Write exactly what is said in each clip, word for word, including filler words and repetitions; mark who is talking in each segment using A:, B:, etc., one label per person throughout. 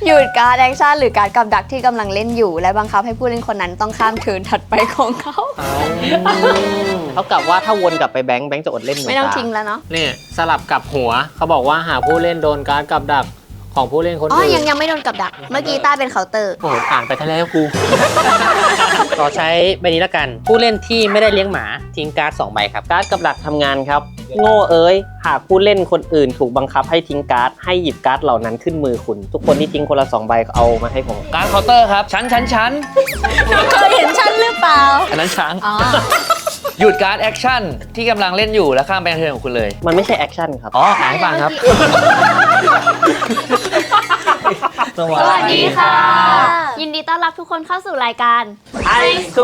A: หยุดการแอคชั่นหรือการกับดักที่กำลังเล่นอยู่และบังคับให้ผู้เล่นคนนั้นต้องข้ามเทิร์นถัดไปของเขา
B: เท่ากับว่าถ้าวนกลับไปแบงค์แบงค์จะอดเล่นหนึ่ง
A: ไม่ต้อง
B: ตา
A: ทิ้งแล้วเนาะ
C: เนี่ยสลับกับหัวเขาบอกว่าหากผู้เล่นโดนการ์ดกับดักของผู้เล่นคน
A: อ๋อ
C: อื่น
A: ยังยังไม่โดนกับดักเมื่อกี้ต้าเป็นเคาน์เตอร์
C: โอ้โหอ่านไปทะเลกู
D: ขอใช้ใบนี้ละกัน ผู้เล่นที่ไม่ได้เลี้ยงหมาทิ้งการ์ดสองใบครับ
B: การ์ดกับดักทำงานครับโง่เอ้ยหากผู้เล่นคนอื่นถูกบังคับให้ทิ้งการ์ดให้หยิบการ์ดเหล่านั้นขึ้นมือคุณ ทุกคนที่ทิ้งคนละสองใบเอามาให้ผม
E: การ์ดเคาน์เตอร์ครับชั้นชั้นชั้น
A: เคยเห็นฉันหรือเปล่า
E: อันนั้นช้าง
A: อ๋อ
E: หยุดการ์ดแอคชั่นที่กำลังเล่นอยู่แล้วข้ามไปเทิร์นของคุณเลย
B: มันไม่ใช่แอคชั่นครับ
E: อ๋ออ่านให้ฟังครับ
A: สวัสดีค่ะ ยินดีต้อนรับทุกคนเข้าสู่รายการ
B: ไอซู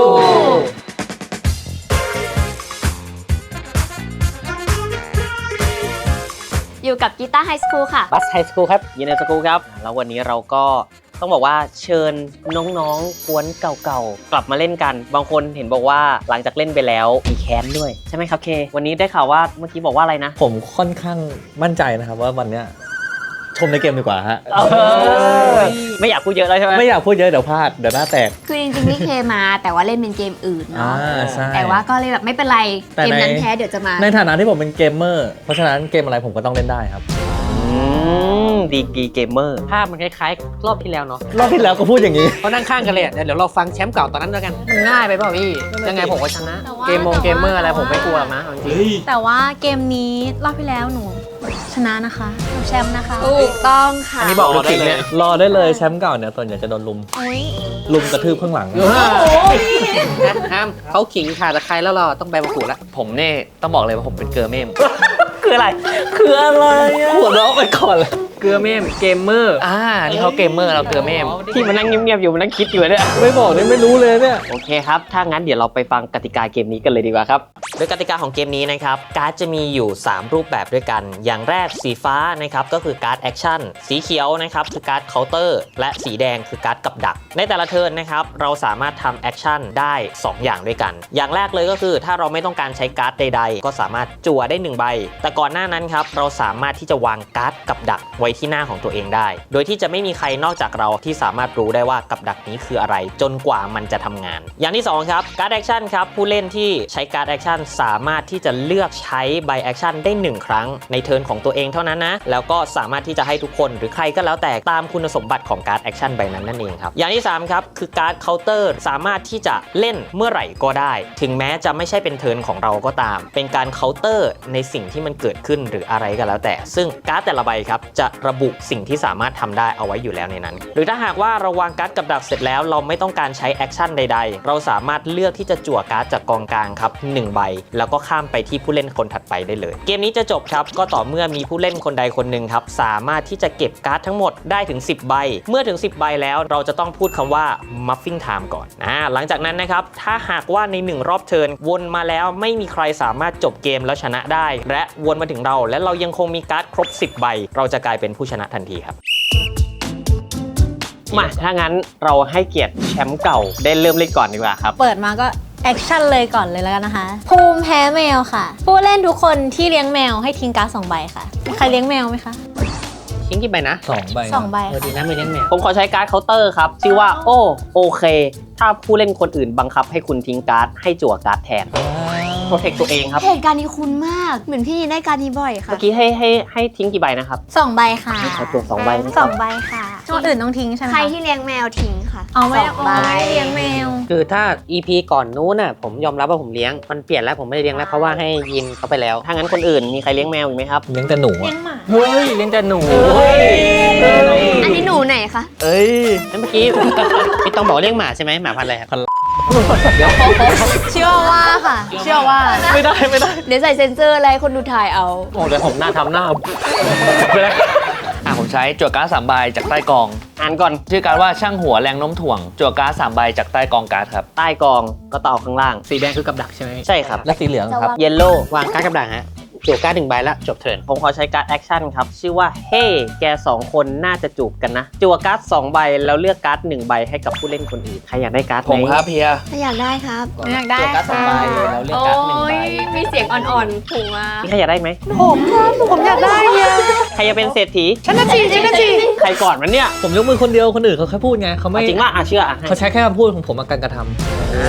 A: อยู่กับกีตาร์ไฮสคูลค่ะ
B: บัสไฮสคูลครับยินดีสกูลครับแล้ววันนี้เราก็ต้องบอกว่าเชิญน้องๆกวนเก่าๆกลับมาเล่นกัน บางคนเห็นบอกว่าหลังจากเล่นไปแล้วมีแค้นด้วยใช่ไหมครับเควันนี้ได้ข่าวว่าเมื่อกี้บอกว่าอะไรนะ
F: ผมค่อนข้างมั่นใจนะครับว่าวันเนี้ยชมในเกมดีกว่าฮะ
B: ไม่อยากพูดเยอะแล้วใช่ไหม
F: ไม่อยากพูดเยอะเดี๋ยวพลาดเดี๋ยวหน้าแตก
A: คือจริงๆนี่เคมาแต่ว่าเล่นเป็นเกมอื่นเนาะ
F: อ่าใช่
A: แต่ว่าก็เลยแบบไม่เป็นไร
F: แต่
A: เกม
F: ใน
A: นั้นแพ้เดี๋ยวจะมา
F: ในฐานะที่ผมเป็นเกมเมอร์เพราะฉะนั้นเกมอะไรผมก็ต้องเล่นได้ครับ
B: อืมดีกรีเกมเมอร์
D: ภาพมันคล้ายๆ รอบที่แล้วเนาะ
F: รอบที่แล้วก็พูดอย่างนี้
D: เขานั่งข้างกันเลยอะเดี๋ยวเราฟังแชมป์เก่าตอนนั้นแล้วกัน
C: มันง่ายไปเปล่าพี่ยังไงผมก็ชนะ
G: แต่ว่า
C: เกมมงเกมเมอร์อะไรผมไม่กลัวหรอกนะเอาจริง
G: แต่ว่าเกมนี้รอบที่แล้วหนูชนะนะคะหนูแชมป์นะคะ
A: ถูกต้องค่ะ
C: อันนี้บอกเราได้เลย
F: รอได้เลยแชมป์เก่าเนี่ยส่วนใหญ่จะโดนลุม
G: โอ้ย
F: ลุมกระทืบข้างหลัง
D: ห้ามเขาขิงขาตะไคร้แล้วเราต้องใบมะกรูดละ
E: ผมเนี่ยต้องบอกเลยว่าผมเป็นเกอร์เมม
B: คืออะไร
F: คืออะไรอ่ะหัวเราะไปก่อนเลย
C: เกลือเมมเกมเมอร์
E: อ่านี่เขาเกมเมอร์เราเกอร์เมม
B: ที่มานั่งเงียบๆอยู่มานั่งคิดอยู่เนี่ย
F: ไม่บอกนี่ไม่รู้เลยเนี่ย
B: โอเคครับ ถ้างั้นเดี๋ยวเราไปฟังกติกาเกมนี้กันเลยดีกว่าครับ โดยกติกาของเกมนี้นะครับ การ์ดจะมีอยู่ สาม รูปแบบด้วยกัน อย่างแรกสีฟ้านะครับก็คือการ์ดแอคชั่น สีเขียวนะครับคือการ์ดเคาน์เตอร์ และสีแดงคือการ์ดกับดัก ในแต่ละเทิร์นนะครับเราสามารถทำแอคชั่นได้ สอง อย่างด้วยกัน อย่างแรกเลยก็คือถ้าเราไม่ต้องการใช้การ์ดใดๆ ก็สามารถจั่วได้หนึ่งใบ แต่ก่อนหน้านั้นครับเราสามารถที่จะวางการ์ดกับดักไว้ที่หน้าของตัวเองได้ โดยที่จะไม่มีใครนอกจากเราที่สามารถรู้ได้ว่ากับดักนี้คืออะไร จนกว่ามันจะทำงาน อย่างที่สองครับการ์ดแอคชั่นครับผู้เล่นที่ใช้การ์ดแอคชั่นสามารถที่จะเลือกใช้ใบแอคชั่นได้หนึ่งครั้งในเทิร์นของตัวเองเท่านั้นนะแล้วก็สามารถที่จะให้ทุกคนหรือใครก็แล้วแต่ตามคุณสมบัติของการ์ดแอคชั่นใบนั้นนั่นเองครับอย่างที่สามครับคือการ์ดเคาน์เตอร์สามารถที่จะเล่นเมื่อไหร่ก็ได้ ถึงแม้จะไม่ใช่เป็นเทิร์นของเราก็ตาม เป็นการเคาน์เตอร์ในสิ่งที่มันเกิดขึ้นหรืออะไรก็แล้วแต่ซึ่งการ์ดแต่ละใบครับจะระบุสิ่งที่สามารถทำได้เอาไว้อยู่แล้วในนั้นหรือถ้าหากว่าเราวางการ์ดกับดักเสร็จแล้วเราไม่ต้องการใช้แอคชั่นใดๆเราสามารถเลือกที่จะจั่วการ์ดจากกองกลางครับหนึ่งใบแล้วก็ข้ามไปที่ผู้เล่นคนถัดไปได้เลยเกมนี้จะจบครับก็ต่อเมื่อมีผู้เล่นคนใดคนหนึ่งครับสามารถที่จะเก็บการ์ดทั้งหมดได้ถึงสิบใบเมื่อถึงสิบใบแล้วเราจะต้องพูดคำว่า muffing time ก่อนอ่าหลังจากนั้นนะครับถ้าหากว่าในหนึ่งรอบเทิร์นวนมาแล้วไม่มีใครสามารถจบเกมแล้วชนะได้และวนมาถึงเราและเรายังคงมีการ์ดครบสิบใบเราจะกลายเป็นผู้ชนะทันทีครับมาถ้างั้นเราให้เกียรติแชมป์เก่าได้เริ่มเล่นก่อนดีกว่าครับ
G: เปิดมาก็แอคชั่นเลยก่อนเลยแล้วกันนะคะ ภูมิแพ้แมวค่ะ ผู้เล่นทุกคนที่เลี้ยงแมวให้ทิ้งการ์ดสองใบค่ะมีใครเลี้ยงแมวไหมคะ
D: ทิ้งกี่ใบนะ
F: สองใบ
G: สองใบ
D: เออดี
G: ค่ะ
D: นะไม่เลี้ยงแมว
B: ผมขอใช้การ์ดเคาน์เตอร์ครับชื่อว่าโอโอเค ถ้าผู้เล่นคนอื่นบังคับให้คุณทิ้งการ์ดให้จั่วการ์ดแทนโปรเทคตัวเองครับ
A: เหตุการณ์นี้คุ้นมากเหมือนพี่ได้การนี้บ่อยค่ะ
B: เมื่อกี้ให้ให้ให้ทิ้งกี่ใบนะครับ
G: สองใบค่ะ
B: ขอจั่วสองใบนะค
G: ส
B: รั
G: อบ งใบค่ะคนอื่นต้องทิ้งใช่ไหม
A: ใคร
G: คะ
A: ที่เลี้ยงแมวทิ้งค่ะ
G: เอาไม่
A: สองใบ
G: เอาไม่เลี้ยงแมว
D: คือถ้า อี พี ก่อนนู้นน่ะผมยอมรับว่าผมเลี้ยงมันเปลี่ยนแล้วผมไม่ได้เลี้ยงแล้วเพราะว่าให้ยินเขาไปแล้ว
B: ถ้างั้นคนอื่นมีใครเลี้ยงแมวอีกไหมครับ
F: เลี้ยงแต่หนู
G: เลี้
F: อะ
G: ยงหมา
C: เฮ้ยเล่นแต่หนู
A: อันนี้หนูไหนคะ
F: เอ้ย
D: แล้วเมื่อกี้ พี่ต้องบอกเลี้ยงหมาใช่ไหมหมาพันธุ์อะไรครับ
G: เชื่อว่าค่ะ เชื่อว่า
F: ไม่ได้ไม่ได้
A: เดี๋ยวใส่เซ็นเซอร์อะไรให้คนดูถ่ายเอา
C: โอ้เดี๋ยวผมหน้าทำหน้าไปเลยอ่ะผมใช้จั่วการ์ดสามใบจากใต้กอง
B: อ่านก่อน
C: ชื่อการ์ดว่าช่างหัวแรงโน้มถ่วงจั่วการ์ดสามใบจากใต้กองการ์ดครับ
B: ใต้กองก็ต่อข้างล่าง
C: สีแดงคือกับดักใช่ไหม
B: ใช่ครับ
F: และสีเหลืองครับ
B: เยลโล่
D: วางการ์ดกับดักฮะจั่วการ์ดหนึ่งใบแล้วจบเทิร์น
B: ผมขอใช้การ์ดแอคชั่นครับ ชื่อว่าเฮ้ แกสองคนน่าจะจูบกันนะ จั่วการ์ดสองใบแล้วเลือกการ์ดหนึ่งใบให้กับผู้เล่นคนอื่น ใครอยากได้การ์ดไห
C: ผมครับเฮีย
A: ถ้าอยากได้ครับ
G: อยากได้
B: จั่วการ์ดสองใบแล้วเลือกการ์ดหนึ่งใบ
A: มีเสียงอ่อนๆถูกมา
B: นี่ใครอยากได้ไหม
A: ผมครับผมอยากได้เนี่ย
B: ใครจะเป็นเศรษฐี
A: ฉันน่ะจีฉันน่ะจี
B: ใครก่อนมันเนี่ย
F: ผมยกมือคนเดียวคนอื่นเขาแค่พูดไงเขาไม่
B: เอาจริงว่าอ่ะเชื่ออ่ะให้
F: เขาใช้แค่คำพูดของผมมาการกระทำ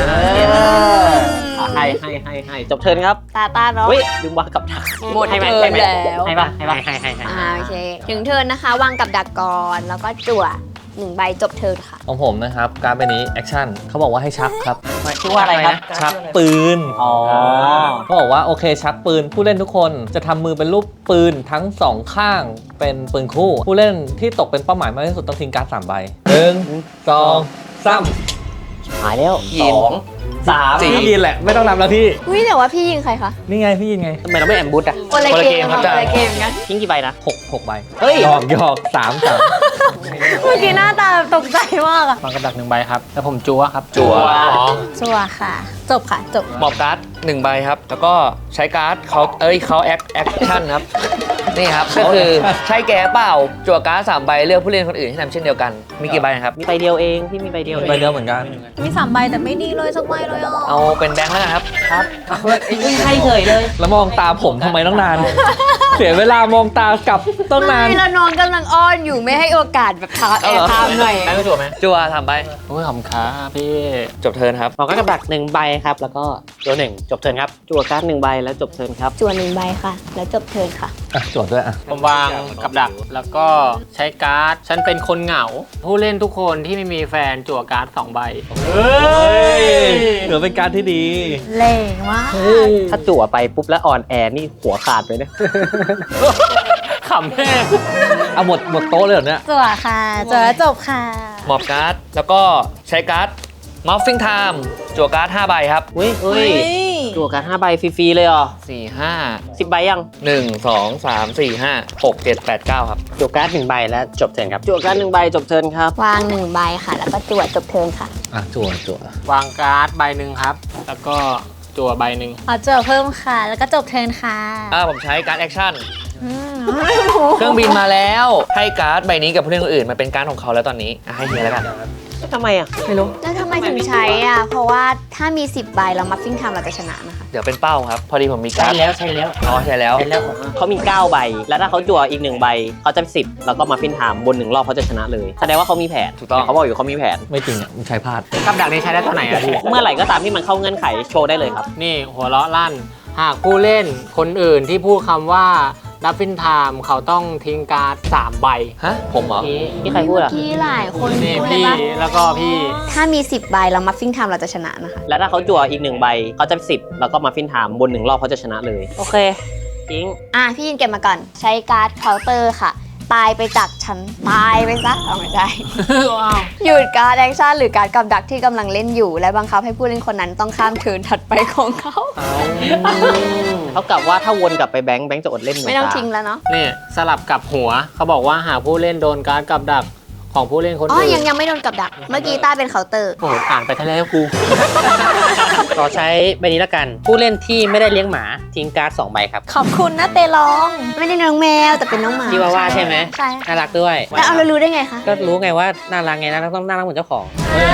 B: อ่ะให้ให้ให้ให้จบเทิร์นครับ
A: ตาตาเนาะ
B: เฮ้ยลืมวางกับดัก
A: หมด
B: ให้ไหม
A: เทิร์น
B: ให้ไหม
A: แล้ว
B: ให้ปะให้ปะ
D: ให้ให้ให้
A: อ่าโอเค ถึงเทิร์นนะคะ วางกับดักก่อนแล้วก็จั่วหนึ่งใบจบเทิร์นค่ะ
F: ของผมนะครับ การเป็นนี้แอคชั่นเขาบอกว่าให้ชักครับ
B: ชื่อว่าอะไรครับ
F: ชักปืน
B: อ๋อ
F: เขาบอกว่าโอเคชักปืน ผู้เล่นทุกคนจะทำมือเป็นรูปปืนทั้งสองข้างเป็นปืนคู่ ผู้เล่นที่ตกเป็นเป้าหมายมากที่สุดต้องทิ้งการ์ดสามใบหนึ่งสองสาม
B: หายแล้ว
C: ยิ
B: ส
C: น
B: องสาม
F: พี่ยินแหละไม่ต้องนำแล้วพี่
A: อุ้ยแต่ว่าพี่ยิงใครคะ
F: นี่ไงพี่ยินไง
B: ทำไมเราไม่แอมบูธอ่ะ
A: คนละ
C: คนละ
A: เก
C: เก
A: ม
C: มครับ
A: คนละเกมกัน
B: ทิ้งกี่ใบนะ
F: หกหกใบ
B: เฮ้ย
F: หยอกหยอกสามสาม
G: เมื่อกี้หน้าตาแบบตกใจมากอะ
E: วางกับดักหนึ่งใบครับ แล้วผมจัวครับ
C: จั่ว
G: จัวค่ะ จบค่ะ จบ
C: หมอบการ์ดหนึ่งใบครับ แล้วก็ใช้การ์ดเขาเอ้ยเขาแอคแอคชั่นครับ นี่ครับ ก็คือใช้แก่เปล่า จั่วการ์ดสามใบเลือกผู้เล่นคนอื่นที่ทำเช่นเดียวกัน มีกี่ใบครับ
B: มีใบเดียวเองพี่มีใบเดียวเอง
F: ใบเดียวเหมือนกัน
G: มีสามใบแต่ไม่ดีเลยสักใบเลยอ่ะ
C: เอาเป็นแบงค์แล้วกันครับ
B: ครับอุ้ยให้เฉยเลย
F: แล้วมองตาผมทำไมต้องนาน เสียเวลามองตากลับต้องนาน
A: ไม่แล้วน้องกำลังอ้อนอยู่ไม่ให้โอกาสแบบทาแอร์ไทม์หน่อย
C: ได้ไม่จั่วไหมจั่วสามใบ
E: โอ้ยขอบคุณครับพี่
C: จบเทิร์นครับ
D: บอกกับดักหนึ่งใบครับแล้วก็จั่วหนึ่งจบเทิร์นครับ
B: จั่วการ์ดหนึ่งใบแล้วจบเทิร์นครับ
A: จั่วหนึ่งใบค่ะ แล้วจบเทิร์นค่ะ
F: อ่ะจดด้วยอ่ะ
E: ผมวางกับดักแล้วก็ใช้การ์ด ฉันเป็นคนเหงา ผู้เล่นทุกคนที่ไม่มีแฟนจั่วการ์ดสองใบ
F: เฮ้ยเหลือเป็นการที่ดี
G: เล่งมาก
B: ถ้าจั่วไปปุ๊บแล้วอ่อนแอนี่หัวขาดไปเนี่ย
E: ขำแม่
F: เอาหมดหมดโต๊ะเลยเหรอเนี่ย
G: จัวค่ะจัวแล้วจบค่ะ
C: หมอบการ์ด แล้วก็ใช้การ์ดมอฟฟิงไทม์จั่วการ์ดห้าใบครับ
B: เฮ้ยเฮ้ย
G: เฮ้ย
B: จั่วการ์ดห้าใบฟรีๆเลยเหรอ
C: สี่ห้า
B: สิบใบยัง
C: หนึ่งสองสามสี่ห้าหกเจ็ดแปดเก้าครับ
D: จั่วการ์ดหนึ่งใบแล้วจบเทิร์นครับ
B: จั่วการ์ดหนึ่งใบจบเทิร์นครับ
A: วางหนึ่งใบค่ะ แล้วก็จั่วจบเทิร์นค่ะ
F: อ่ะจั่วจั่ว
E: วางการ์ดใบหนึ่งครับ แล้วก็จั่วใบหนึ่ง
G: เอาจัวเพิ่มค่ะ แล้วก็จบเทิร์นค่ะ
C: อ่าผมใช้การ์ดแอคชั่น
G: อืม
C: เครื่องบินมาแล้ว ให้การ์ดใบนี้กับผู้เล่นคนอื่นมันเป็นการ์ดของเขาแล้วตอนนี้อ่ะให้เฮียแล้วกัน
B: ทำไมอ่ะ ไม่รู้
A: แล้วทำไมถึงใช้อ่ะ เพราะว่าถ้ามีสิบใบแล้วมัฟฟิ้งไทม์เราจะชนะนะคะ
C: เดี๋ยวเป็นเป้าครับ พอดีผมมี
D: ใช่
C: การ์ด
D: แล้วใช่แล้ว
C: อ๋อใช่แล้ว
D: ใช่แล้ว
B: เขามีเก้าใบ แล้วถ้าเขาจั่วอีกหนึ่งใบเขาจะสิบแล้วก็มาฟินไทม์บนหนึ่งรอบเขาจะชนะเลย แสดงว่าเขามีแผน
C: ถูกต้อง
B: เขาบอกอยู่เขามีแผน
F: ไม่จริงอ่ะมันใช้พลาด
E: กับดักนี้ใช้ได้เท่าไหร่อะพี่
B: เมื่อไหร่ก็ตามที่มันเข้าเงื่อนไขโชว์ได้เลยครับ
E: นี่หัวเราะลั่น หากผู้เล่นคนอื่นที่พูดคำว่าดับฟินไทม์เขาต้องทิ้งการ์ดสามใบ
C: ฮะ ผมเหรอ
B: นี่นี่ใครพูดอ่ะ
A: พี่หลายคน
E: นี่
A: พูดเลย
E: พี่
A: ปะ
E: แล้วก็พี่
A: ถ้ามีสิบใบแล้วมัฟฟิ้งไทม์เราจะชนะนะคะ
B: แล้วถ้าเขาจั่วอีกหนึ่งใบเขาจะสิบแล้วก็มาฟินไทม์บนหนึ่งรอบเขาจะชนะเลย โอเคจริง
A: อ่ะ พี่ยินเก็บมาก่อน ใช้การ์ดเคาน์เตอร์ค่ะ ตายไปจากฉัน ตายไปซะเอาไม่ได้
E: ว้าว
A: หยุดการ์ดแอคชั่นหรือการ์ดกับดักที่กำลังเล่นอยู่ และบังคับให้ผู้เล่นคนนั้นต้องข้ามเทิร์นถัดไปของเขา
B: เท่ากับว่าถ้าวนกลับไปแบงค์แบงค์จะอดเล่นหนึ่
A: ไม่ต้อง
B: ตา
A: ทิ้งแล้วเนาะ
E: นี่สลับกับหัว เขาบอกว่าหากผู้เล่นโดนการ์ดกับดักของผู้เล่นคน
A: อ๋อ
E: อื่น
A: ยังยังไม่โดนกับดัก เมื่อกี้ต้าเป็นเคาน์เตอร์
E: โอ้โหอ่านไปทะเลแล้วกู
D: ขอใช้ใบนี้ละกัน ผู้เล่นที่ไม่ได้เลี้ยงหมาทิ้งการ์ดสองใบครับ
G: ขอบคุณนะเตลอง
A: ไม่ได้น้องแมวแต่เป็นน้องหมา
D: ชิวาว่าใช่ไหม
A: ใช่
D: น่ารักด้วย
A: แล้วเอาเรารู้ได้ไงคะ
D: ก็รู้ไงว่าน่ารักไงนะต้องน่ารักเหมือนเจ้าของ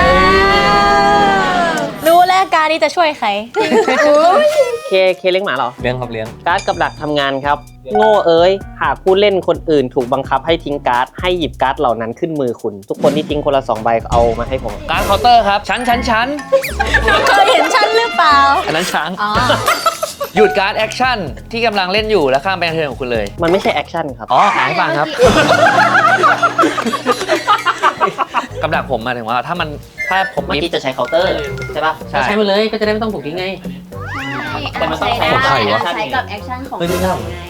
G: รู้แล้วการนี้จะช่วยใคร
B: เคเคเลี้ยงหมาเหรอ
F: เลี้ยงครับเลี้ยง
B: การ์ดกับดักทำงานครับ โง่เอ้ย หากผู้เล่นคนอื่นถูกบังคับให้ทิ้งการ์ดให้หยิบการ์ดเหล่านั้นขึ้นมือคุณ ทุกคนที่ทิ้งคนละสองใบเอามาให้ผม
C: การ์ดเคาน์เตอร์ครับ ชั้นชั้นชั้น
G: เคยเห็นฉันหรือเปล่า
C: อันนั้นช้าง
G: อ๋อ
C: หยุดการ์ดแอคชั่นที่กำลังเล่นอยู่แล้วข้ามไปเทิร์นของคุณเลย
B: มันไม่ใช่แอคชั่นครับ
C: อ๋ออ่านให้ฟังครับ กำลังผมหมายถึงว่าถ้ามันถ้าผม
B: เมื่อ
C: มี
B: กี้จะใช้เคาน์เตอร์ใช่ปะ
C: ใช่
D: ใช้มาเลยก็จะได้ไม่ต้องถูกทิ้งไง
B: แต่มันต้องใช้
F: ของใครวะ
A: ใช้กับแอคชั่นของ
F: เฮ้ยไม่ใช่
A: เราไง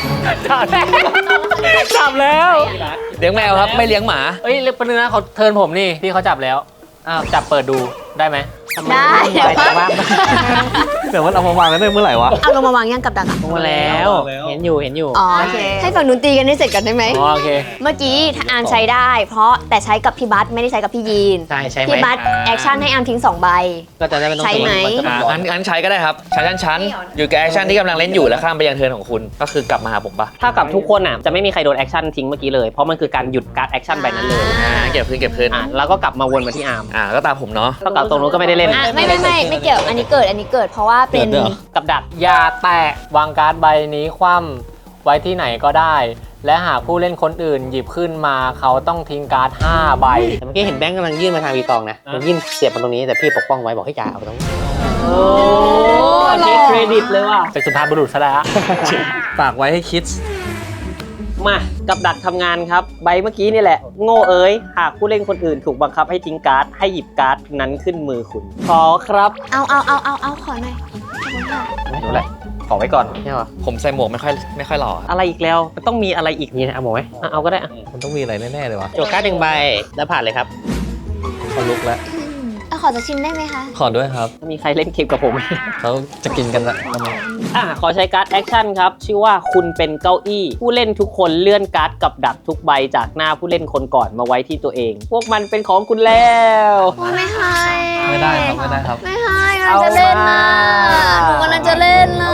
E: จับแล้ว
C: เลี้ยงแมวครับไม่เลี้ยงหมา
E: เอ้ยเรียกปนึงนะเขาเทิร์นผมนี่พี่เขาจับแล้ว อ้าว จับเปิดดูได้ไหม
A: ได้
D: ไปแต่ว่า
F: แต่มันเอามาวางกันได้เมื่อไหร่วะ
A: เอาลงมาวางย่างกับดักอะ
D: ลงมาแล้ว เห็นอยู่เห็นอยู่
A: อ๋อโอเคให้ฝั่งนู้นตีกันให้เสร็จกันได้ไหม
E: อ๋อโอเค
A: เมื่อกี้ถ้าอาร์มใช้ได้ เพราะแต่ใช้กับพี่บัสไม่ได้ใช้กับพี่ยีน
D: ใช่ใช่ไหม
A: พี่บัสแอคชั่นให้อาร์มทิ้งสองใบ
D: ก็จะได้ไม่ต้อง
A: ใช่ไหม
D: นจะ
C: อ่า
D: บอก
C: งั้นงั้นใช้ก็ได้ครับ ใช้ชั้นชั้นๆอยู่กับแอคชั่นที่กำลังเล่นอยู่แล้วข้ามไปยังเทิร์นของคุณ ก็คือกลับมาหาผมปะ
B: ถ้ากับทุกคนอ่ะจะไม่มีใครโดนแอคชั่นทิ้งเมื่อกี้เลย เพราะมันคือการหยุดการแอคชั่นใบนั้นเลย
C: อ่าเก็บคืนเก็บคืน
B: อ่ะแล้วก็กลับมาวนมาที่อาร์ม
C: อ่าก็ตามผมเนาะ
B: เท่ากับตรงนู้นก็ไม่ได้เล่น
A: อ่ะไม่ไม่ไม่ไม่เกี่ยวอันนี้เกิดอันนี้เกิดเพราะว่าเป็น
F: เกิดด้วยเหรอ
B: กับดัก
E: อย่าแตะวางการ์ดใบนี้คว่ำไว้ที่ไหนก็ได้ และหากผู้เล่นคนอื่นหยิบขึ้นมาเขาต้องทิ้งการ์ดห้าใบ
D: แต่เมื่อกี้เห็นแบงค์กำลังยื่นมาทางวีตองนะมันยื่นเสียบมาตรงนี้แต่พี่ปกป้องไว้บอกให้จ่าเอาตรงนี้
B: โอ้เทคเครดิตเลยว่ะ
E: เป็นสุภาพบุรุษซะแล้ว
F: ฝากไว้ให้คิด
B: มากับดักทำงานครับใบเมื่อกี้นี่แหละ โง่เอ้ยหากผู้เล่นคนอื่นถูกบังคับให้ทิ้งการ์ดให้หยิบการ์ดนั้นขึ้นมือคุณขอครับ
A: เอาเอาเอาเอาเอาขอหน่อยขอบคุณค่ะ
B: ดูแหละขอไว้ก่อน
D: ใช่ป่ะ
C: ผมใส่หมวกไม่ค่อยไม่ค่อยหล่อครับ
B: อะไรอีกแล้วมันต้องมีอะไรอีก
D: นี่นะเอาหมดไหม
B: อ่ะเอาก็ได้อ่ะ
F: มันต้องมีอะไรแน่ๆเลยวะ
D: โจทย์การ์ดหนึ่งใบแล้วผ่านเลยครับ
F: เขาลุกแล้ว
A: เอาขอจะชิมได้ไหมคะ
F: ขอด้วยครับ
B: มีใครเล่นเกมกับผมไหม
F: เขาจะกินกันละ
B: อ่ะขอใช้การ์ดแอคชั่นครับ ชื่อว่าคุณเป็นเก้าอี้ ผู้เล่นทุกคนเลื่อนการ์ดกับดักทุกใบจากหน้าผู้เล่นคนก่อนมาไว้ที่ตัวเอง พวกมันเป็นของคุณแล้ว
A: โอ้ไม่ให้
F: ไม่ได้ครับไม่ได้ครับ
A: ไม่ให้กำลังจะเล่นนะหนูกำลังจะเล่นเลย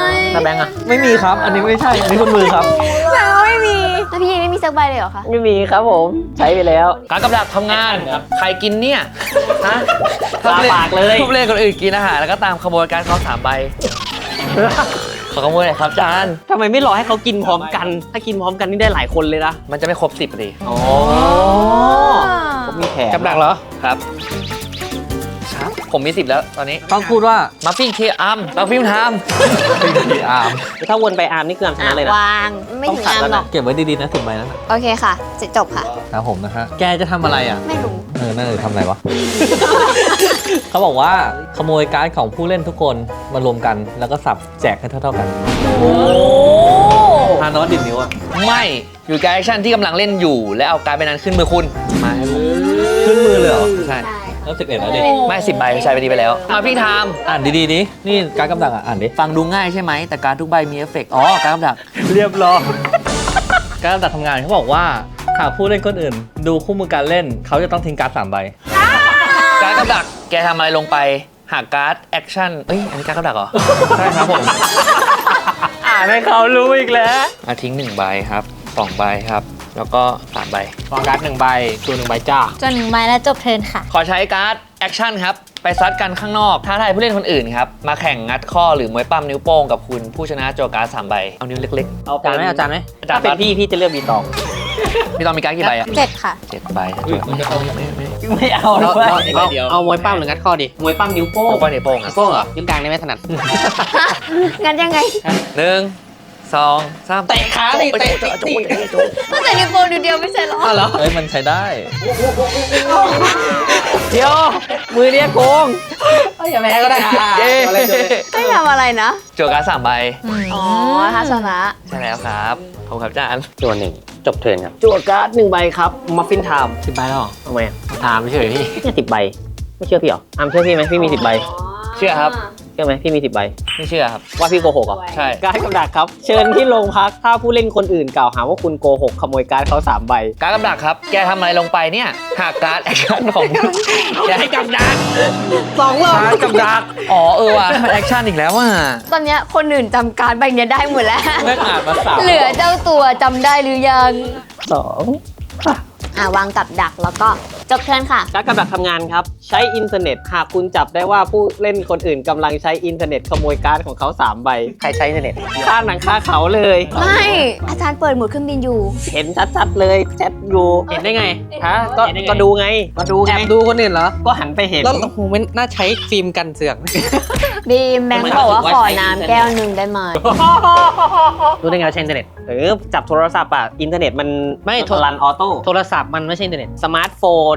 E: ถ้าแบงค์อะ
F: ไม่มีครับ อันนี้ไม่ใช่ อันนี้คุณมือครับ
A: แต่ว่าไม่มีแล้วพี่ยีนไม่มีสักใบเลยเหรอคะ
B: ไม่มีครับผม ใช้ไปแล้ว
C: การกับดักทำงาน ใครกินเนี่ยฮะ
B: ตาปากเลย
C: ผู้เล่นคนอื่นกินอาหารแล้วก็ตามขโมยการดเขาสามใบ ขอขโมยหน่อยครับจาน
B: ทำไมไม่รอให้เขากินพร้อมกัน ถ้ากินพร้อมกันนี่ได้หลายคนเลยนะ
C: มันจะไม่ครบสิบเลย
B: อ๋อผมมีแผน
D: กับดักเหรอ
C: ครับครับผมมีสิบแล้วตอนนี้
F: ต้องพูดว่า
C: มาฟิ้งเคอัมมาฟิ้งทาม
F: พีอาร์ม
B: ถ้าวนไปอาร์มนี่คืออาร์มชนะเลยนะ
A: วางไม่ถึงน้ำหรอก
F: เก็บไว้ดีๆนะสิบใบนั้น
A: โอเคค่ะจะจบค่ะ
F: ครับผมนะฮะ แกจะทำอะไรอ่ะ
A: ไม่รู้
F: เออน่าจะทำอะไรวะ เขาบอกว่าขโมยการ์ดของผู้เล่นทุกคนมารวมกัน แล้วก็สับแจกให้เท่าๆกัน
B: โอ้
F: ฮานอสดิบนิ้วอ่ะ
C: ไม่อยู่กับแอคชั่นที่กำลังเล่นอยู่ และเอาการดไปนั้นขึ้นมือคุณมาให้ผม
F: ขึ้นมือเลยเหรอ
C: ใช่
F: แล้วสิบเอ็ดแล้วดิ
C: ไม่สิบใบใช้ไปดีไปแล้ว มาฟิ้งทาม
F: อ่านดีๆดินี่การ์ดกำดักอ่ะ อ่านดิ
C: ฟังดูง่ายใช่ไหมแต่การดทุกใบมีเอฟเฟกต์อ๋อการดกับดัก
F: เรียบร้อยการกำดักทำงานเขาบอกว่าหากผู้เล่นคนอื่น ดูคู่มือการเล่น เขาจะต้องทิ้งการ์ดสามใบ
C: การดกับดักแกทำอะไรลงไปหากการ์ดแอคชั่นเอ้ยอันนี้การดกับดักเหรอ
F: ใช่ครับผม
B: อ่านให้เขารู้อีกแล้ว
C: มาทิ้งหนึ่งใบครับสองใบครับ แล้วก็สามใบ
E: วางการ์ดหนึ่งใบตัวหนึ่งใบจ้า
G: จนหนึ่งใบแล้วจบเทิร์นค่ะ
C: ขอใช้การ์ดแอคชั่นครับ ไปซัดกันข้างนอกท้าทายผู้เล่นคนอื่นครับ มาแข่งงัดข้อหรือมวยปั้มนิ้วโป้งกับคุณผู้ชนะโจการ์ดสามใบ เอานิ้วเล็ก
B: เอา
D: จานไหมเอาจานไหม
C: ๆ
B: ถ้าเป็นพี่พี่จะเลือกบีตอง
C: พี่ต้องมีการ์ดกี่ใบอะ
G: เจ็ดค่ะ
C: เจ็ดใบ
B: ไม่เอา
D: เอา
B: ด้วย
D: เอาเอาเอามวยปั้มหรืองัดข้อดิ
B: มวยปั้มนิ้วโป้ง
C: โป้งนิ้วโป้งอะ
D: โป้งเหรอนิ้วกลางได้ไหมถนัด
A: งั้นยังไง
C: หนึ่งสองสาม
B: เตะขาดิเตะเตะเตะ
A: ก็แต่นิ้วโป้งนิ้วเดียวไม่ใช่เหรอ
B: อ้าวเหรอ
F: เอ้ยมันใช้ได้
B: เดี๋ยวมือเนี้ยโกงอย่าแพ้ก็ได้
C: เย้
A: ไม่ทำอะไรนะ
C: โจการ์ดสามใบ
A: อ๋อถ้าชนะ
C: ใช่แล้วครับขอบคุณครับอาจารย์
D: ตัวหนึ่งจบเทิร์นครับ
B: จั่วการ์ดหนึ่งใบครับมัฟฟินไทม์
E: สิบใบแล้วเหรอ
B: ทำไมอ่ะ
E: ถามเฉยพี่
B: เนี่ยสิบใบไม่เชื่อพี่เหรออามเชื่อพี่ไหมพี่มีสิบใบ
C: เชื่อครับ
B: เชื่อไหมพี่มีสิบใบ
C: ไม่เชื่อครับ
B: ว่าพี่โกหกเหรอ
C: ใช่
B: การ์ดกับดักครับ เชิญที่โรงพักถ้าผู้เล่นคนอื่นกล่าวหาว่าคุณโกหกขโมยการ์ดเขาสามใบ
C: การ์ดกับดักครับ แกทำอะไรลงไปเนี่ยหากการ์ดแอคชั่นของแกให้กับดัก
B: สองรอบ
C: การ์ดกับดักอ๋อเออว่ะมันแอคชั่นอีกแล้วว่ะ
A: ตอนเนี้ยคนอื่นจำการ์ดใบเนี้ยได้หมดแล้ว
F: แม่งอ่านมาสาม
A: เหลือเจ้าตัวจำได้หรือยัง
B: สอง
A: อ่ะวางกับดักแล้วก็จบเทิร์นค่ะ
B: การ์ดกับดักทำงานครับ ใช้อินเทอร์เน็ต หากคุณจับได้ว่าผู้เล่นคนอื่นกำลังใช้อินเทอร์เน็ตขโมยการ์ดของเขาสามใบ
D: ใครใช้อินเทอร์เน็ต
B: ค่าหนังค่าเขาเลย
A: ไม่ อาจารย์เปิดโหมดเครื่องบินอยู่
B: เห็นชัดๆเลยแชทอยู่
D: เห็นได้ไง
B: ฮะก็
D: เห็นได้ไง
B: ก็ดูไงก็ดู
D: แอ
B: ไง
D: บดูคนอื่นเหรอ
B: ก็หันไปเห็น
D: แล้วโอ้โหมันน่าใช้ฟิล์มกันเสือก
A: บีมแบงค์บอกว่าขอน้ำแก้วหนึ่งได้ไหม
D: รู้ได้ไงว่าใช้อินเทอร์เน็ต
B: เออจับโทรศัพท์อ่ะอินเทอร์เน็ตมัน
D: ไม่โทร
B: รันออโต้
D: โทรศัพท์มันไม่ใช่อินเทอร์เน็ต
B: สมาร์ทโฟน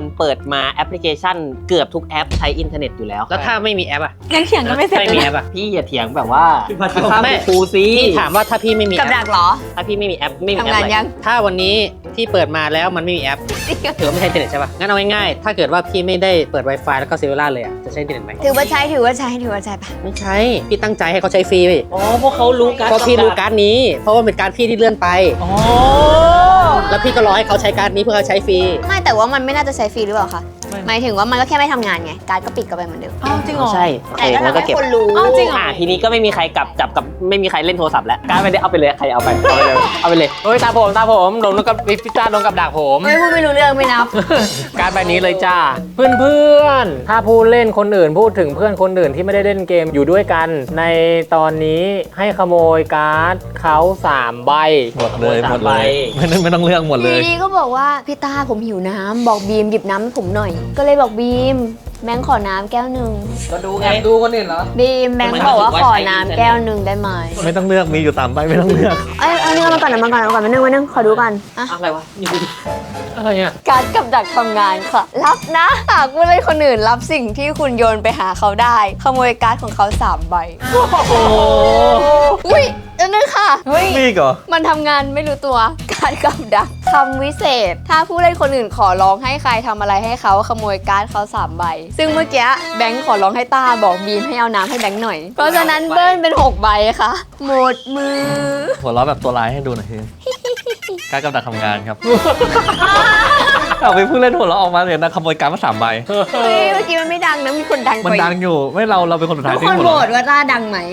B: คนเปิดมาแอปพลิเคชันเกือบทุกแอปใช้อินเทอร์เน็ตอยู่แล้ว
D: แล้วถ้าไม่มีแอปอ่ะ
G: ยังเถียงกันไม่เสร็จ
D: ไม่
G: เลย
D: มี
G: นะ
D: แอปอ่ะ
B: พี่อย่าเถียงแบบว่า
D: แม่
B: ครูซี
D: พี่ถามว่าถ้าพี่ไม่มี
A: กับ
D: แอ
A: ดั
D: ป
A: กเหรอ
B: ถ้าพี่ไม่มีแอปไม่มีแอป
A: ทำงาน
B: อะไร
A: ยัง
D: ถ้าวันนี้ที่เปิดมาแล้วมันไม่มีแอปถือว่าไม่ใช่อินเทอร์เน็ตใช่ป่ะงั้นเอาง่ายๆถ้าเกิดว่าพี่ไม่ได้เปิด Wi-Fi แล้วก็เซลลูล่าเลยอ่ะจะใช้อินเทอร์เน็ตไหม
A: ถือว่าใช้ถือว่าใช้ถือว่าใช้ปะ
D: ไม่ใช่พี่ตั้งใจให้เขาใช้ฟรี
B: อ๋อพวกเขารู้กัน
D: เพราะพี่รู้การ์ดนี้ เพราะว่าเป็นการดพี่ที่เลื่อนไป
B: อ๋อ
D: แล้วพี่ก็รอให้เขาใช้การ์ดนี้เพื่อเขาใช้ฟรี
A: ไม่แต่ว่ามันไม่น่าจะใช้ฟรีหรือเปล่าคะหมายถึงว่ามันก็แค่ไม่ทำงานไงการดก็ปิดกันไปเหมือนเดิม
G: อ้าวจริงเหรอ
B: ใช่โอเค
A: แต่ก็
B: แล้ว
A: ทำ
B: ก็
A: ให้
B: เก็บ
A: คนรู้
G: อ้าวจริงเหรอ
B: อ่าทีนี้ก็ไม่มีใครกลับจับกับไม่มีใครเล่นโทรศัพท์แล้วการดไม่ได้เอาไปเลยใครเอาไปเอาไปเลยเอาไปเลย
E: เฮ้ยตาผมตาผมโดนกับพิซซ่าโดนกับดักผม
A: ไม่พูดไม่รู้เรื่องไม่นับ
E: การดใบนี้เลยจ้า เพื่อนเพื่อนๆถ้าผู้เล่นคนอื่นพูดถึงเพื่อนคนอื่นที่ไม่ได้เล่นเกมอยู่ด้วยกัน ในตอนนี้ให้ขโมยการ์ดเขาสามใบ
F: หมดเลยหมดเลยไม่ต้องไม่ต้องเลือกหมดเลย
A: ทีนี้ก็บอกว่าพี่ตาผมหิวน้ำบอกบีมหยิบน้ำให้ผมหน่อย ก็เลยบอกบีมแบงค์ขอน้ำแก้วหนึ่ง
B: ก็ดูไง
F: แอบดูคนอื่นเหรอ
A: บีมแบงค์บอกว่าขอน้ำแก้วหนึ่งได้ไหม
F: ไม่ต้องเลือกมีอยู่สามใบไม่ต้องเลือก
A: เอ้ยเอาเนื้อมาก่อนนะมาก่อนมาก่อนมานึ่งมานึ่งขอดูก่อนอ่ะ
B: อะไรวะนี่ดูดิ
E: อะไรอ่ะ
A: การดกับดักทำงานค่ะ รับนะหากผู้เล่นคนอื่นรับสิ่งที่คุณโยนไปหาเขาได้ ขโมยการ์ดของเขาสามใบ
F: โอ้โห
A: อุ้ยอันนึงค่ะ
G: เฮ้ย
F: นี่เหรอ
A: มันทำงานไม่รู้ตัว การกับดักคำวิเศษ ถ้าผู้เล่นคนอื่นขอร้องให้ใครทำอะไรให้เขาขโมยการ์ดเขาสามใบ ซึ่งเมื่อกี้แบงค์ขอร้องให้ต้าบอกบีมให้เอาน้ำให้แบงค์หน่อย เพราะฉะนั้นเบิ้ลเป็นหกใบค่ะ หมดมือ
F: หัวเราะแบบตัวร้ายให้ดูหน่อยทีการกำลังทำงานครับ เอาไปพูดเล่นหัวเราะออกมาเลยนะขโมยการ์ดมาสามใบ
A: เฮ้ยเมื่อกี้มันไม่ดังนะมีคนดัง
F: มัน
A: กว่า
F: ดังอยู่ไม่เราเราเป็นคนสุดท้าย
A: ทุก
F: ที่
A: คน
F: หัว
A: โหว
F: เราะ
A: ตว่าต้าดังไหม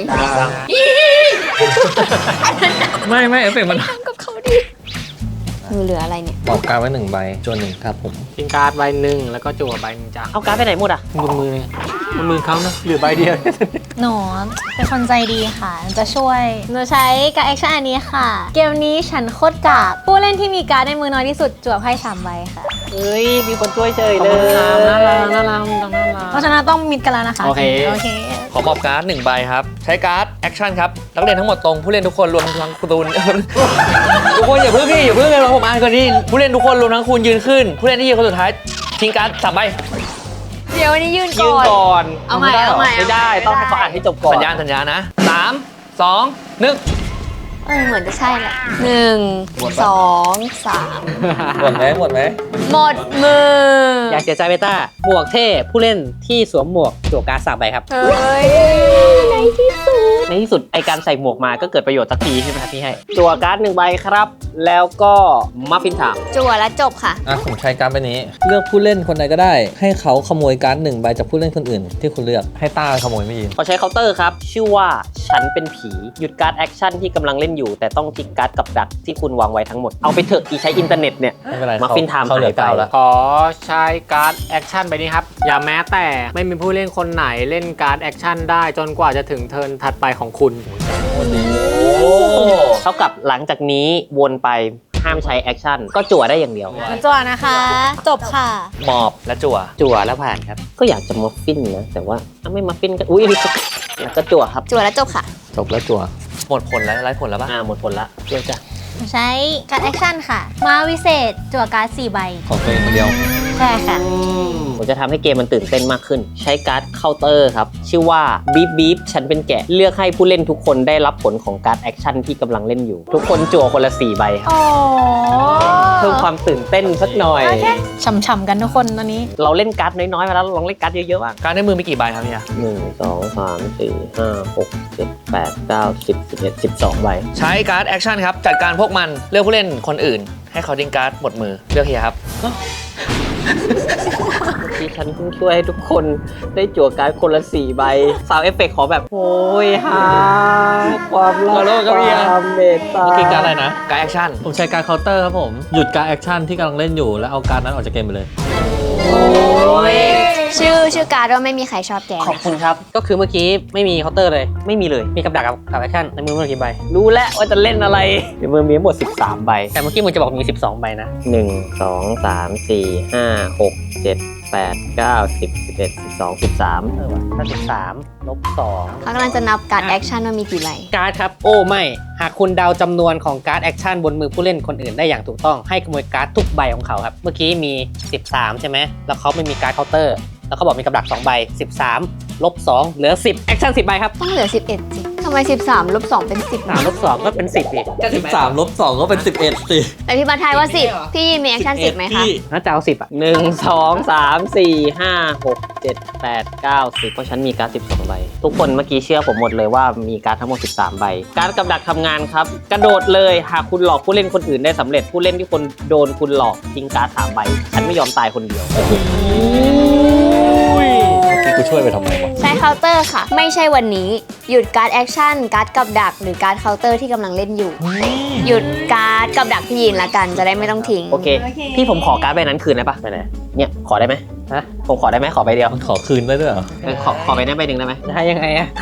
F: ไม่ไม่เอฟเฟกต์มัน
A: ดังกับเขาดิมือเหลืออะไรเนี่ย
F: บอกการดไว้หนึ่งใบจนหนึ่งครับผม
E: ทิ้งการ์ดใบหนึ่งแล้วก็จั่วใบหนึ่งจ้า
B: เอาการ์ดไปไหนหมดอ่ะ
E: บนมือเลยบนมือเขานะเหลือใบเดียว
G: หนูเป็นคนใจดีค่ะ จะช่วย หนูใช้การแอคชั่นอันนี้ค่ะ เกมนี้ฉันโคตรกากผู้เล่นที่มีการ์ดในมือน้อยที่สุดจั่วไพ่สามใบค่ะ
B: เฮ้ยมีคนช่วยเฉย
E: ขอบ
B: เล
E: คุณครับน่ารัก
B: ย
E: น่ารักน่ารัก
G: เพราะฉะนั้นต้องมิดกันแล้วนะคะ
E: โอเค
G: โอเค
C: ขอมอบการ์ดหนึ่งใบครับ ใช้การ์ดแอคชั่นครับนักเรียนทั้งหมดตรงผู้เล่นทุกคนรวมทั้งคุณตูน ทุกคนอย่าเพิ่งพี่อย่าเพิ่งเลยผมอ่านก่อนดิผู้เล่นทุกคนรวมทั้งคุณยืนขึ้น ผู้เล่นที่ยืนคนสุดท้ายทิ้งการ์ดสามใบ
A: เดี๋ยววันนี้ยืน
B: ยื
A: ก่
B: น
A: อน
B: ก่อน
A: เอาใหม่เอาใหม่
B: ไม่ได้ต้องให้เขาอ่านให้จบก่อน
C: สัญญาณสัญญาณนะสามสองหนึ่ง
A: เออเหมือนจะใช่แหละหนึ่งสองสาม
F: หมดไหมหมดไหม
A: หมดมือ
D: อย่าเสียใจเบต้าหมวกเท่ผู้เล่นที่สวมหมวกจั่วการ์ดสามใบครับ
A: เฮ้ยในที่สุด
B: ในที่สุดไอการใส่หมวกมาก็เกิดประโยชน์สักทีใช่ไหมครับพี่ให้จั่วการ์ดหนึ่งใบครับ แล้วก็มัฟฟินถาม
A: จั่วแล้วจบค่ะ
F: อ่ะผมใช้การ์ดใบนี้ เลือกผู้เล่นคนใดก็ได้ ให้เขาขโมยการ์ดหนึ่งใบจากผู้เล่นคนอื่น ที่คุณเลือกให้ต้าขโมยไม่ยิน
B: ขอใช้เคาน์เตอร์ครับ ชื่อว่าฉันเป็นผีหยุดการ์ดแอคชั่นที่กำลังเล่นอยู่ แต่ต้องทิ้งการ์ดกับดักที่คุณวางไว้ทั้งหมด เอาไปเถอะอีใช้อินเทอร์เน็ตเนี่ย
F: ไม่เป็นไร
B: มัฟฟินไทม์
F: เขาเหลือ
B: หายไป
F: เก้าแล้ว
E: ขอใช้การ์ดแอคชั่นไปนี้ครับ อย่าแม้แต่ไม่มีผู้เล่นคนไหนเล่นการ์ดแอคชั่นได้จนกว่าจะถึงเทิร์นถัดไปของคุณ
B: เท่ากับหลังจากนี้วนไปห้ามใช้แอคชั่นก็จั่วได้อย่างเดียว
G: มาจั่วนะคะ จบค่ะ
C: หมอบและจั่ว
D: จั่วแล้วผ่านครับ
B: ก็อยากจะมัฟฟินนะแต่ว่าถ้าไม่มัฟฟินก็อุ้ยแล้วก็จั่วครับ
A: จั่วแล้วจบค่ะ
F: จบแล้วจั่ว
C: หมดผลแล้วไร้ผลแล้วปะ
B: อ่าหมดผลละเดี๋ยวจ้ะ
G: ใช้การแอคชั่นค่ะ มาวิเศษจั่วการ์ดสี่ใบ
F: ของตัวเองคนเดียว
G: ใช่ค่ะ
B: ผมจะทำให้เกมมันตื่นเต้นมากขึ้น ใช้การ์ดเคาน์เตอร์ครับ ชื่อว่าบีบบีบฉันเป็นแกะเลือกให้ผู้เล่นทุกคนได้รับผลของการ์ดแอคชั่นที่กำลังเล่นอยู่ ทุกคนจั่วคนละสี่ใบครับ
G: โอ้
B: เพิ่มความตื่นเต้นสักหน่อย
G: ฉ่ำๆกันทุกคนตอนนี้
B: เราเล่นการ์ดน้อยๆมาแล้วลองเล่นการ์ดเยอะๆบ้าง
C: การ์ดในมือมีกี่ใบครับเนี่ย
B: หนึ่งสองสามสี่ห้าหกเจ็ดแปดเก้าสิบสิบเอ็ดสิบสองใบ
C: ใช้การ์ดแอคชั่นครับจัดการพวกมันเลือกผู้เล่นคนอื่น ให้เขาทิ้งการ์ดหมดมือเลือกเฮียครับ
B: ที่ฉันเพิ่งช่วยให้ทุกคนได้จั่วการ์ดคนละสี่ใบซาวเอฟเฟกต์ขอแบบโอ้ยฮาความรัก
C: ขอโทษครับเฮีย
B: ความเมตตา
C: เมื่อกี้การ์ดอะไรนะ การ์ดแอคชั่น
F: ผมใช้การเคาน์เตอร์ครับผม หยุดการแอคชั่นที่กำลังเล่นอยู่ แล้วเอาการนั้นออกจากเกมไปเลย
A: ชื่อชื่อการ์ดว่าไม่มีใครชอบแก
B: ขอบคุณครับ
D: ก็คือเมื่อกี้ไม่มีเคาน์เตอร์เลย
B: ไม่มีเลย
D: มีกับดักกับกับแอคชั่นในมือมันกี่ใบ
B: รู้แล้วว่าจะเล่นอะไรเดี๋ยวมือมีทั้งหมดสิบสามใบ
D: แต่เมื่อกี้มึงจะบอกมีสิบสองใบนะ
B: หนึ่ง สอง สาม สี่ ห้า หก เจ็ดแปด เก้า สิบ สิบเอ็ด สิบสอง สิบสาม
D: เออว่ะถ้าสิบสามลบสอง
A: เขากำลังจะนับการแอคชั่นว่ามีกี่ใบ
D: การ์ดครับ โอ้ไม่ หากคุณเดาจำนวนของการ์ดแอคชั่นบนมือผู้เล่นคนอื่นได้อย่างถูกต้องให้ขโมยการ์ดทุกใบของเขาครับ เมื่อกี้มี สิบสาม ใช่ไหม แล้วเขาไม่มีการ์ดเคาน์เตอร์ แล้วเขาบอกมีกับดักสองใบ สิบสาม ลบสองเหลือ สิบแอคชั่นสิบใบครับ
A: ต้องเหลือสิบเอ็ดสิทำไมสิบสามลบสองเป็นสิบ
D: สามลบสองก็เป็นสิบอีก
F: สิบสามลบสองก็เป็นสิบเอ็ดสิ
A: แต่พี่บัตทายว่าสิบพี่ยินมีแอคชั่นสิบไหมคะ
D: น่าจะเอาสิบอ่ะ
B: หนึ่ง สอง สาม สี่ ห้า หก เจ็ด แปด เก้า สิบเพราะฉันมีการ์ดสิบสองใบ ทุกคนเมื่อกี้เชื่อผมหมดเลยว่ามีการ์ดทั้งหมดสิบสามใบ การ์ดกับดักทำงานครับ กระโดดเลยหากคุณหลอกผู้เล่นคนอื่นได้สำเร็จผู้เล่นที่คนโดนคุณหลอกทิ้งการ์ดสามใบ ฉันไม่ยอมตายคนเดียว
F: ที่กูช่วยไปทำไมวะ
A: ใช้เคาน์เตอร์ค่ะ ไม่ใช่วันนี้ หยุดการ์ดแอคชั่นการ์ดกับดักหรือการ์ดเคาน์เตอร์ที่กำลังเล่นอยู่ หยุดการ์ดกับดักพี่ยินละกันจะได้ไม่ต้องทิ้ง
B: โอเค พี่ผมขอการ์ดใบนั้นคืนได้ปะไปไหนเนี่ยขอได้ไหมฮะผมขอได้ไหมขอใบเดียว
F: มันขอคืนได้ด้วยเหรอ
B: เออขอขอใบนั้นใบหนึ่งได้ไหม
D: ได้ยังไงอ่ะ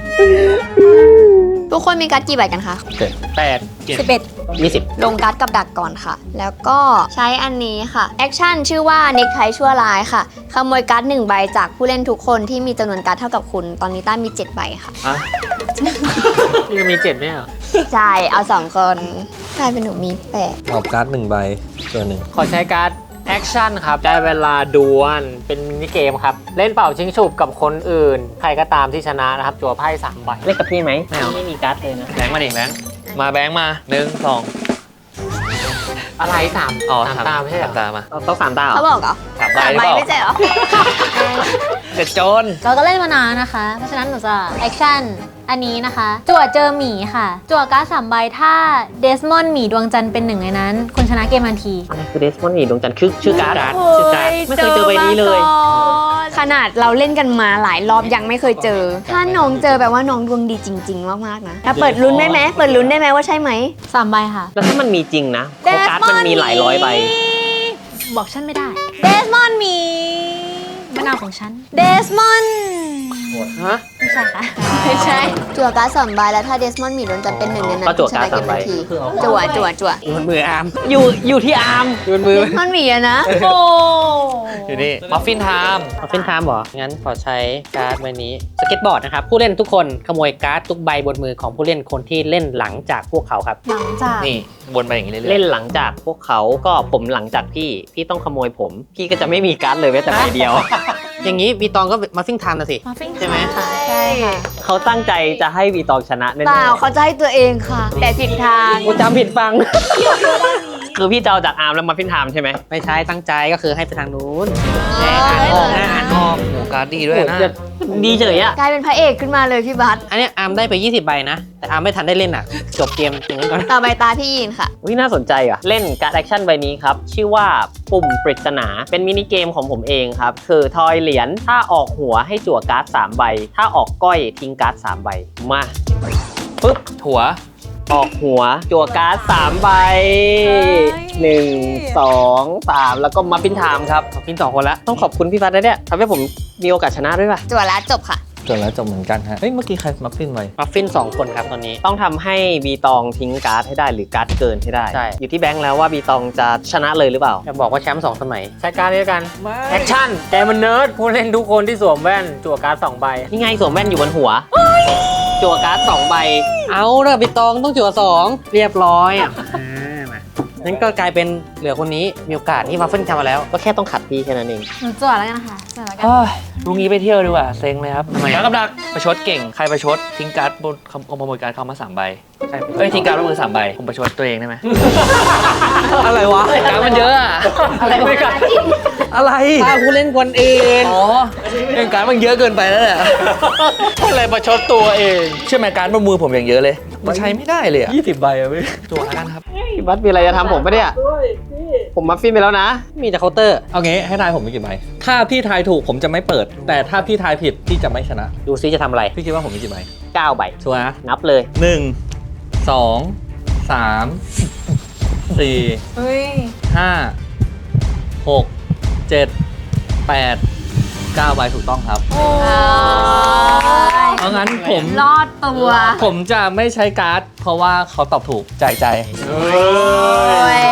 A: ทุกคนมีการ์ดกี่ใบกันคะ
D: แปด
A: สิบเอ็ด
D: ยี่สิบ
A: ลงการ์ดกับดักก่อนค่ะ แล้วก็ใช้อันนี้ค่ะ แอคชั่นชื่อว่าเน็กไทชั่วร้ายค่ะ ขโมยการ์ดหนึ่งใบจากผู้เล่นทุกคนที่มีจำนวนการ์ดเท่ากับคุณ ตอนนี้ต้ามีเจ็ดใบค่ะ
D: ยังมีเจ็ดไหมอ่ะ
A: ใช่ เอาสองคนกลายเป็นหนูมีแปด
F: ออกการ์ดหนึ่งใบตัวหนึ่ง
E: ขอใช้การ์ดแอคชั่นครับได้เวลาดวลเป็นมินิเกมครับ เล่นเป่าชิงฉุบกับคนอื่น ใครก็ตามที่ชนะนะครับ จั่วไพ่สามใบ
B: เล่นกับพี่ไหมไม่เอาไม่มีการ์ดเลยนะ
C: แบงค์มาดิแบงค์มาแบงค์มาหนึ่งสอง
E: อะไรสาม
C: อ๋อ
E: สามตาไม่ใช่เหรอ
C: สามตามา
B: ต้องสามตาเหร
A: เขา
B: อ
A: บอกเหรอ
C: สามใบ
A: สาม
C: หรือ
A: ใบ
C: เปล่า
A: ไม่ใช่เหรอ
C: เจ็ดโจร
G: เราก็เล่นมานานนะคะ เพราะฉะนั้นหนูจะแอคชั่นอันนี้นะคะ จั่วเจอหมีค่ะ จั่วการ์ดสามใบถ้าเดสมอนด์หมีดวงจันทร์เป็นหนึ่งในนั้น คุณชนะเกมทันที
B: อะไรคือเดสมอนด์นี่ดวงจันทร์คือชื่อการ์ด
D: การ์ดชื่อการ์ด
B: ไม่เคยเจอใบนี้เลย
A: ขนาดเราเล่นกันมาหลายรอบยังไม่เคยเจอ ถ้าน้องเจอแปลว่าน้องดวงดีจริง ๆ มากๆนะถ้าเปิดลุ้นได้ไหมเปิดลุ้นได้ไหมว่าใช่ไหม
G: สามใบค่ะ
B: แล้วถ้ามันมีจริงนะเพราะการ์ดมันมีหลายร้อยใบ
G: บอกฉันไม่ได้ เดสมอนด์หมีมะนาวของฉัน เดสมอนด์
D: ฮะ
G: ไม่ใช่ค่ะ
A: ไม่ใช่ จั่วการ์ดสามใบแล้วถ้าเดสมอนด์หมีดวงจันทร์เป็นหนึ่งในนั้น
B: ก็จั่วการ์ด
A: ชนะเกมทันที
B: สามใบ
A: จั่วจั่วจั่ว
D: อยู่บนมืออาร์ม
B: อยู่อยู่ที่อาร์ม
D: อยู่บนมือ
A: เดสมอนด์หมีอะนะ
G: โอ้
C: อยู่นี่มัฟฟินไทม์
D: เอาเป็นไทม์เหรอ งั้นขอใช้การ์ดใบนี้ สเก็ตบอร์ดนะครับ ผู้เล่นทุกคนขโมยการ์ดทุกใบบนมือของผู้เล่นคนที่เล่นหลังจากพวกเขาครับ
G: หลังจาก
C: นี่วนไปอย่างนี้เรื่อยๆ
B: เล่นหลังจากพวกเขาก็ผมหลังจากพี่พี่ต้องขโมยผม พี่ก็จะไม่มีการ์ดเลยแม้แต่ใบเดียว
D: อย่างนี้วีตองก็มาฟิ้งไทม์นะสิ
G: มาฟิ้ง
D: ใช่ไหม
G: ค่ะใช่ค่ะ
B: เขาตั้งใจจะให้วีตองชนะแน่
A: เปล่าเขาจะให้ตัวเองค่ะ แต่ผิดทาง
B: ๆกูจำผิดฟัง คือพี่จะเอาจากอาร์มแล้วมาฟินไทม์ใช่ไหม
D: ไม่ใช่ตั้งใจก็คือให้ไปทางนู้นแน่อ่านออกนะอ่านออก
C: โอ้การ์ดดีด้วยนะ
B: ดีเฉยอะ
A: กลายเป็นพระเอกขึ้นมาเลยพี่บัส
D: อันเนี้ยอาร์มได้ไปยี่สิบใบนะ แต่อาร์มไม่ทันได้เล่นอ่ะ จบเกมถึงนั้นก่อน
A: ต่อไปตาพี่ยินค่ะ
B: วิน่าสนใจอ่ะ เล่นการ์ดแอคชั่นใบนี้ครับ ชื่อว่าปุ่มปริศนา เป็นมินิเกมของผมเองครับ คือทอยเหรียญถ้าออกหัวให้จั่วการ์ดสามใบ ถ้าออกก้อยทิ้งการ์ดสามใบ มาปึ๊บ
C: ถั่ว
B: ออกหัวจั่วการ์ดสามใบหนึ่งสองสามแล้วก็มาฟินไทม์ครับ
D: ฟินสองคนละ
B: ต้องขอบคุณพี่พัดนะเนี่ยทำให้ผมมีโอกาสชนะด้วยป่ะ
A: จั่วแล้วจบค่ะ
F: จบแล้วจบเหมือนกันฮะ เฮ้ย เมื่อกี้ใครมัฟฟินไว้
D: มาฟินสองคนครับตอนนี้
B: ต้องทำให้บีตองทิ้งการ์ดให้ได้หรือการ์ดเกินให้ได้
D: ใช่
B: อยู่ที่แบงค์แล้วว่าบีตองจะชนะเลยหรือเปล่า
D: จะบอกว่าแชมป์สองสมัย
E: ใช้การ์ดนี้กันแอคชั่นแกมันเนิร์ดผู้เล่นทุกคนที่สวมแว่น จั่วการ์ดสองใบ
B: นี่ไงสวมแว่นอยู่บนหัว จั่วการ์ดสองใบ
D: เอาละพี่ตองต้องจั่วสองเรียบร้อยอ่ะอ่ามางั้นก็กลายเป็นเหลือคนนี้มีโอกาสที่มาฟินทำมาแล้ว
B: ก็แค่ต้องขัดพี่แค่นั้นเอง
G: หนูจั่วแล้วกันนะคะจั่วแล้วกัน
C: เฮ้ยลุงนี้ไปเที่ยวดีกว่าเซ็งเลยครับทำไมแล้วกับดักประชดเก่งใครประชดทิ้งการ์ดบนขโมยการ์ดเขามาสามใบ
D: ใช่
C: เอ้ยทิ้งการ์ดบนมือสามใบผมประชดตัวเองได้ไหม
D: อะไรวะ
C: การ์ดมันเยอะอะ
D: อะไรวะ
C: อะไร
D: ถ้าผู้เล่นคนอื่น
C: อ๋อเรื่องการ์ดมันเยอะเกินไปแล้วแหละ
E: อะไรประชดตัวเอง
C: เชื่อไหมการ์ดบนมือผมอย่างเยอะเลยมันใช้ไม่ได้เลยอะ
F: ยี่สิบใบอะพี่
C: ตัวแล้วกันครับ
B: พี่บัสมีอะไรจะทำผมปะเนี่ย ผมมาฟินไปแล้วนะ
D: มีแต่เคาน์เตอร์
F: เอางี้ให้ทายผมมีกี่ใบ ถ้าพี่ทายถูกผมจะไม่เปิด แต่ถ้าพี่ทายผิดพี่จะไม่ชนะ
D: ดูซิจะทำอะไร
F: พี่คิดว่าผมมีกี่ใบ
B: เก้าใบ
F: ชัวร์นะ
B: นับเลย
F: หนึ่งสองสามสี่
G: เฮ้ย
F: ห้าหกเจ็ดแปดเก้าใบถูกต้องครับ
G: โอ้ย
F: เพราะงั้นผม
A: รอดตัว
F: ผมจะไม่ใช้การ์ด เพราะว่าเขาตอบถูกจ่ายใจ
A: โอ้ย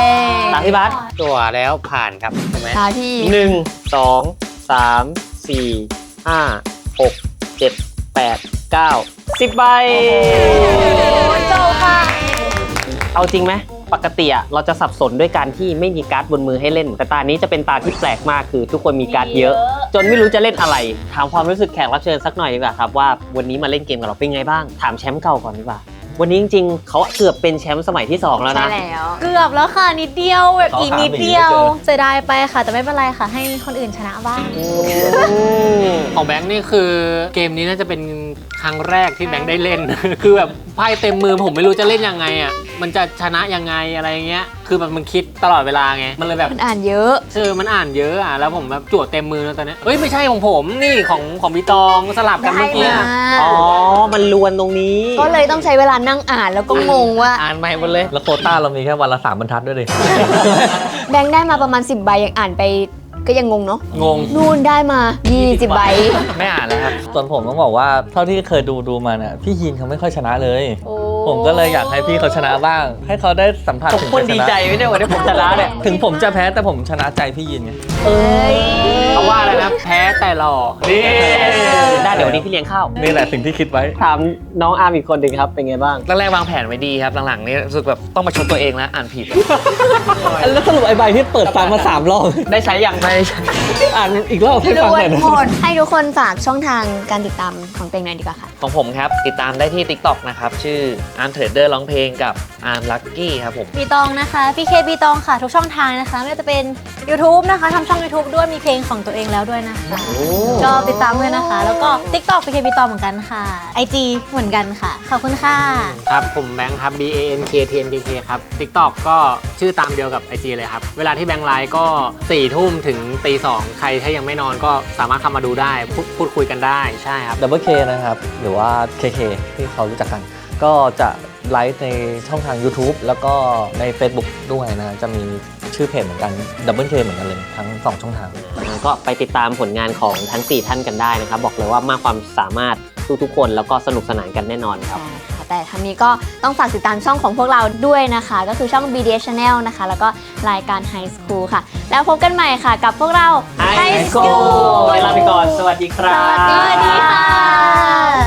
B: ตามพี่บัส
D: ตัวแล้วผ่านครับถูกไหม
A: ตาที่
B: หนึ่งสองสามสี่ห้าหกเจ็ดแปดเก้าสิบใบ
G: โจค่ะ
B: เอาจริงไหมปกติอะเราจะสับสนด้วยการที่ไม่มีการ์ดบนมือให้เล่น แต่ตานี้จะเป็นตาที่แปลกมากคือทุกคนมีการ์ดเยอะ จนไม่รู้จะเล่นอะไร ถามความรู้สึกแขกรับเชิญสักหน่อยดีกว่าครับว่าวันนี้มาเล่นเกมกับเราเป็นไงบ้างถามแชมป์เก่าก่อนดีกว่าวันนี้จริงๆเขาเกือบเป็นแชมป์สมัยที่สองแล้ว
A: ใช่
B: นะ
A: แล้ว
G: เกือบแล้วค่ะนิดเดียวแบบ
F: ต่อ
G: อีก
F: สาม
G: นิดเดียว
F: อีกนิดเดียว
G: เสียดายไปค่ะ แต่ไม่เป็นไรค่ะ ให้คนอื่นชนะบ้าง
E: ของแบงค์นี่คือเกมนี้น่าจะเป็นครั้งแรกที่แบงค์ได้เล่น คือแบบไพ่เต็มมือผมไม่รู้จะเล่นยังไงอ่ะมันจะชนะยังไงอะไรเงี้ยคือแบบมันคิดตลอดเวลาไงมันเลยแบบ
A: มันอ่านเยอะ
E: เออมันอ่านเยอะอ่ะแล้วผมแบบจวดเต็มมือแล้วตอนนี้เอ้ยไม่ใช่ของผมนี่ของของพี่ตองสลับกันเมื่อกี้
A: ได้
E: อะ
A: มา
B: อ๋อ มันลวนตรงนี้
A: ก็เลยต้องใช้เวลานั่งอ่านแล้วก็งงว่า
D: อ่านใหม่หมดเลย
F: แล้วโควต้าเรามีแค่วันละสามบรรทัดด้วยดิ
A: แบงค์ได้มาประมาณสิบใบยังอ่านไปก็ยังงงเนาะ
E: งง
A: นู่นได้มายี่สิบใบ
D: ไม่อ่านแล้วครับ
F: ส่วนผมต้องบอกว่าเท่าที่เคยดูดูมาเนี่ยพี่ยีนเขาไม่ค่อยชนะเลย
A: โอ้
F: ผมก็เลยอยากให้พี่เขาชนะบ้าง ให้เขาได้สัมผัส
B: ทุก
F: ถึง
B: คน
F: ชัยช
B: ดี
F: นะ
B: ใจไม่ได้วันนี้ผมชนะเนี่ย
F: ถึงผมจะแพ้แต่ผมชนะใจพี่ยีนไง
A: เอ้ย
E: เขาว่าอะไรนะแพ้แต่หล่อนี่
B: ได้เดี๋ยววันนี้พี่เลี้ยงข้าว
F: นี่แหละสิ่งที่คิดไว้
B: ถามน้องอาร์มอีกคนหนึ่งครับ เป็นไงบ้าง
C: แรกๆวางแผนไว้ดีครับหลังๆนี่รู้สึกแบบต้องมาชมตัวเองแล้วอ่านผิด
F: แล้วสรุปไอ้ใบที่เปิดฟังมาสามรอบ
B: ได้ใช้ยัง
C: ไม่ใช่
F: อ่านอีกรอบให้
A: ร
F: ฟัง
A: ว
F: ห
A: ย
F: น่อยนะ
A: หมดให้ทุกคนฝากช่องทางการติดตามของตัวเองหน่อยดีกว่าค่ะ
C: ของผมครับ ติดตามได้ที่ TikTok นะครับ ชื่อ Arm Trader ร้องเพลงกับ Arm Lucky ครับผม
G: ปีตองนะคะพี่เคปีตองค่ะ ทุกช่องทางนะคะไม่ว่าจะเป็น YouTube นะคะทำช่อง YouTube ด้วยมีเพลงของตัวเองแล้วด้วยนะคะ ก็ติดตามด้วยนะคะ แล้วก็ TikTok พี่เคปีตองเหมือนกันค่ะ ไอ จี เหมือนกันค่ะ ขอบคุณค่ะ
E: ครับผมแบงค์ครับ B A N K T N K K ครับ TikTok ก็ชื่อตามเดียวกับ ไอ จี เลยครับ เวลาที่แบงค์ไลฟ์ก็สี่ทุ่มถึงตีสองใครถ้ายังไม่นอนก็สามารถเข้ามาดูได้พูดพูดคุยกันได้ใช่ครับ
F: ดับเบิลเคนะครับ หรือว่า เค เค ที่เขารู้จักกัน ก็จะไลฟ์ในช่องทาง YouTube แล้วก็ใน Facebook ด้วยนะ จะมีชื่อเพจเหมือนกัน ดับเบิลเค เหมือนกันเลยทั้งสองช่องทาง
B: ก็ไปติดตามผลงานของทั้งสี่ท่านกันได้นะครับ บอกเลยว่ามากความสามารถทุกๆคนแล้วก็สนุกสนานกันแน่นอนครับ
A: ใช่ค่ะแต่ทั้งนี้ก็ต้องฝากติดตามช่องของพวกเราด้วยนะคะ ก็คือช่อง บี ดี เอส Channel นะคะ แล้วก็รายการ High School ค่ะ แล้วพบกันใหม่ค่ะกับพวกเรา
B: High School เวลาไปก่อน สวัสดีครั
A: ส
B: บ
A: วัสดีค่ะ